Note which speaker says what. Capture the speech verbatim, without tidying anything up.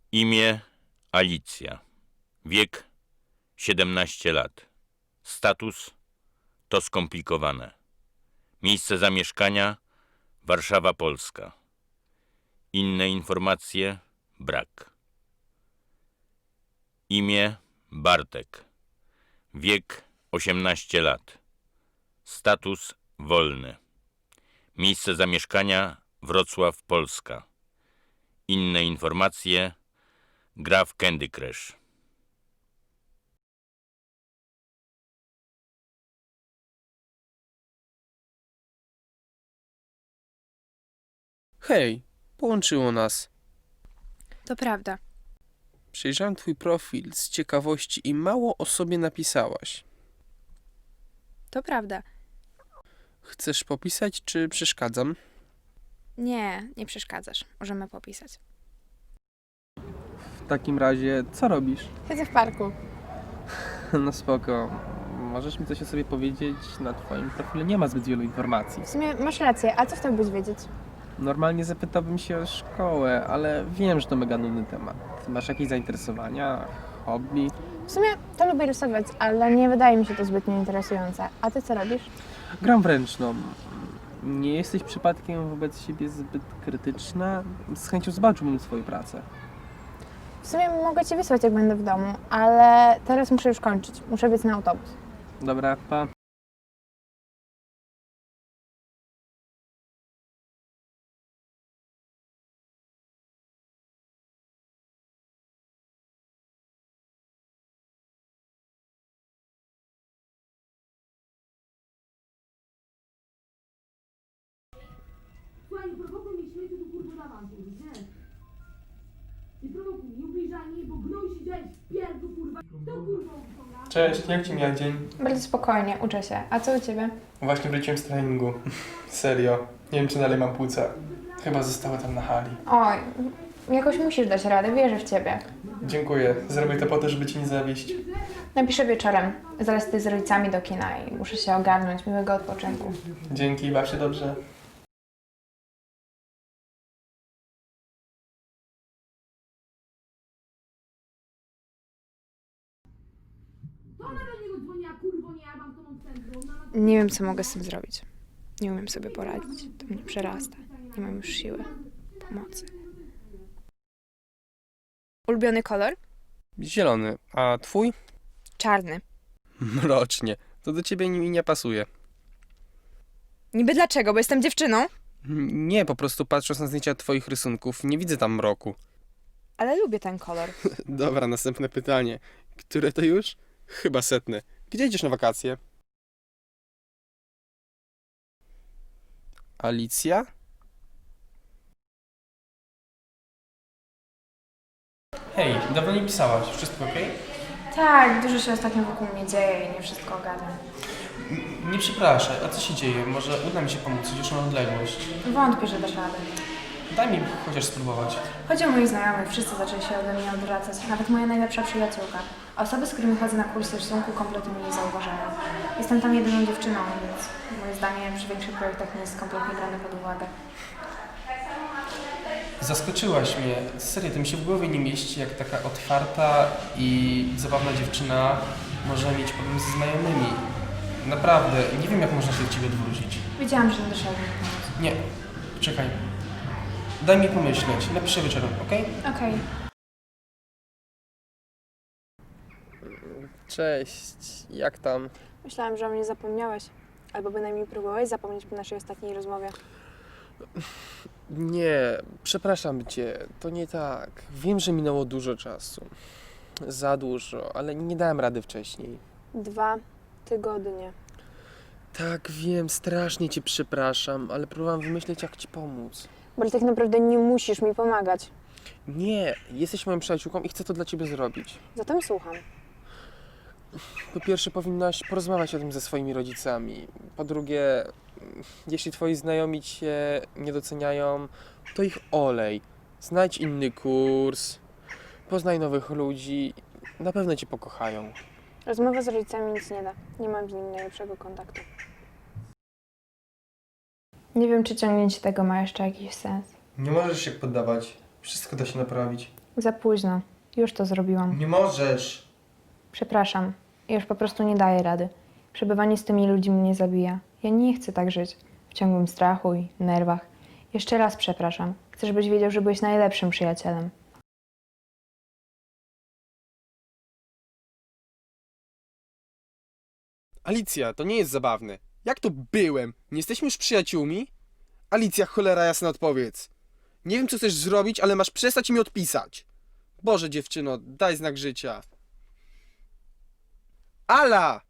Speaker 1: Imię Alicja. Wiek siedemnaście lat. Status to skomplikowane. Miejsce zamieszkania Warszawa, Polska. Inne informacje brak. Imię Bartek. Wiek osiemnaście lat. Status wolny. Miejsce zamieszkania Wrocław, Polska. Inne informacje gra w Candy Crush.
Speaker 2: Hej, połączyło nas.
Speaker 3: To prawda.
Speaker 2: Przejrzałem twój profil z ciekawości i mało o sobie napisałaś.
Speaker 3: To prawda.
Speaker 2: Chcesz popisać, czy przeszkadzam?
Speaker 3: Nie, nie przeszkadzasz. Możemy popisać.
Speaker 2: W takim razie, co robisz?
Speaker 3: Siedzę w parku.
Speaker 2: No spoko. Możesz mi coś o sobie powiedzieć? Na twoim profilu nie ma zbyt wielu informacji.
Speaker 3: W sumie masz rację, a co chciałbyś wiedzieć?
Speaker 2: Normalnie zapytałbym się o szkołę, ale wiem, że to mega nudny temat. Masz jakieś zainteresowania, hobby?
Speaker 3: W sumie to lubię rysować, ale nie wydaje mi się to zbytnio interesujące. A ty co robisz?
Speaker 2: Gram w ręczną. Nie jesteś przypadkiem wobec siebie zbyt krytyczna? Z chęcią zobaczyłbym swoją pracę.
Speaker 3: W sumie mogę ci wysłać, jak będę w domu, ale teraz muszę już kończyć. Muszę biec na autobus.
Speaker 2: Dobra, pa.
Speaker 4: Słuchaj, nie prowokuj mnie śmieciu do kurwa na awantur, nie? Nie prowokuj, nie ubliżaj mi, bo gnój się dzieje w pierdlu, kurwa. Kto kurwa uciąga?
Speaker 2: Cześć, jak ci mija dzień?
Speaker 3: Bardzo spokojnie, uczę się. A co u ciebie?
Speaker 2: Właśnie wróciłem z treningu. Serio. Nie wiem, czy dalej mam płuca. Chyba zostały tam na hali.
Speaker 3: Oj, jakoś musisz dać radę, wierzę w ciebie.
Speaker 2: Dziękuję. Zrobię to po to, żeby ci nie zawieść.
Speaker 3: Napiszę wieczorem. Zaraz ty z rodzicami do kina i muszę się ogarnąć. Miłego odpoczynku.
Speaker 2: Dzięki, baw się dobrze.
Speaker 4: To ona do niego dzwoniła, kurwo, nie, ja mam to mam w centrum. Mama...
Speaker 3: Nie wiem, co mogę z tym zrobić. Nie umiem sobie poradzić. To mnie przerasta. Nie mam już siły, mocy. Ulubiony kolor?
Speaker 2: Zielony. A twój?
Speaker 3: Czarny.
Speaker 2: Mrocznie. To do ciebie mi nie pasuje.
Speaker 3: Niby dlaczego? Bo jestem dziewczyną?
Speaker 2: Nie, po prostu patrząc na zdjęcia twoich rysunków, nie widzę tam mroku.
Speaker 3: Ale lubię ten kolor.
Speaker 2: Dobra, następne pytanie. Które to już? Chyba setne. Gdzie idziesz na wakacje? Alicja? Hej, dawno nie pisałaś. Wszystko ok?
Speaker 3: Tak, dużo się ostatnio wokół mnie dzieje i nie wszystko ogarniam.
Speaker 2: Nie przepraszaj, a co się dzieje? Może uda mi się pomóc, już na odległość.
Speaker 3: Wątpię, że dasz radę.
Speaker 2: Daj mi chociaż spróbować.
Speaker 3: Chodzi o moich znajomych, wszyscy zaczęli się ode mnie odwracać. Nawet moja najlepsza przyjaciółka. A osoby, z którymi chodzę na kursy rysunku, kompletnie mnie nie zauważają. Jestem tam jedyną dziewczyną, więc moje zdanie przy większych projektach nie jest kompletnie brane pod uwagę.
Speaker 2: Zaskoczyłaś mnie. Serio, to mi się w głowie nie mieści, jak taka otwarta i zabawna dziewczyna może mieć problem ze znajomymi. Naprawdę, nie wiem, jak można się do ciebie odwrócić.
Speaker 3: Wiedziałam, że nie dasz rady mi pomóc.
Speaker 2: Nie, czekaj. Daj mi pomyśleć. Napiszę wieczorem, okej?
Speaker 3: Okej.
Speaker 2: Cześć, jak tam?
Speaker 3: Myślałam, że o mnie zapomniałeś. Albo bynajmniej próbowałeś zapomnieć po naszej ostatniej rozmowie.
Speaker 2: Nie, przepraszam cię, to nie tak. Wiem, że minęło dużo czasu. Za dużo, ale nie dałem rady wcześniej.
Speaker 3: Dwa tygodnie.
Speaker 2: Tak, wiem, strasznie cię przepraszam, ale próbowałam wymyśleć, jak ci pomóc.
Speaker 3: Bo tak naprawdę nie musisz mi pomagać.
Speaker 2: Nie, jesteś moją przyjaciółką i chcę to dla ciebie zrobić.
Speaker 3: Zatem słucham.
Speaker 2: Po pierwsze, powinnaś porozmawiać o tym ze swoimi rodzicami. Po drugie, jeśli twoi znajomi cię nie doceniają, to ich olej. Znajdź inny kurs, poznaj nowych ludzi, na pewno cię pokochają.
Speaker 3: Rozmowa z rodzicami nic nie da. Nie mam z nim najlepszego kontaktu. Nie wiem, czy ciągnięcie tego ma jeszcze jakiś sens.
Speaker 2: Nie możesz się poddawać, wszystko da się naprawić.
Speaker 3: Za późno. Już to zrobiłam.
Speaker 2: Nie możesz.
Speaker 3: Przepraszam. Ja już po prostu nie daję rady. Przebywanie z tymi ludźmi mnie zabija. Ja nie chcę tak żyć. W ciągłym strachu i nerwach. Jeszcze raz przepraszam. Chcę, żebyś wiedział, że byłeś najlepszym przyjacielem.
Speaker 2: Alicja, to nie jest zabawne. Jak to byłem? Nie jesteśmy już przyjaciółmi? Alicja, cholera jasna, odpowiedz. Nie wiem, co chcesz zrobić, ale masz przestać mi odpisać. Boże, dziewczyno, daj znak życia. Ala!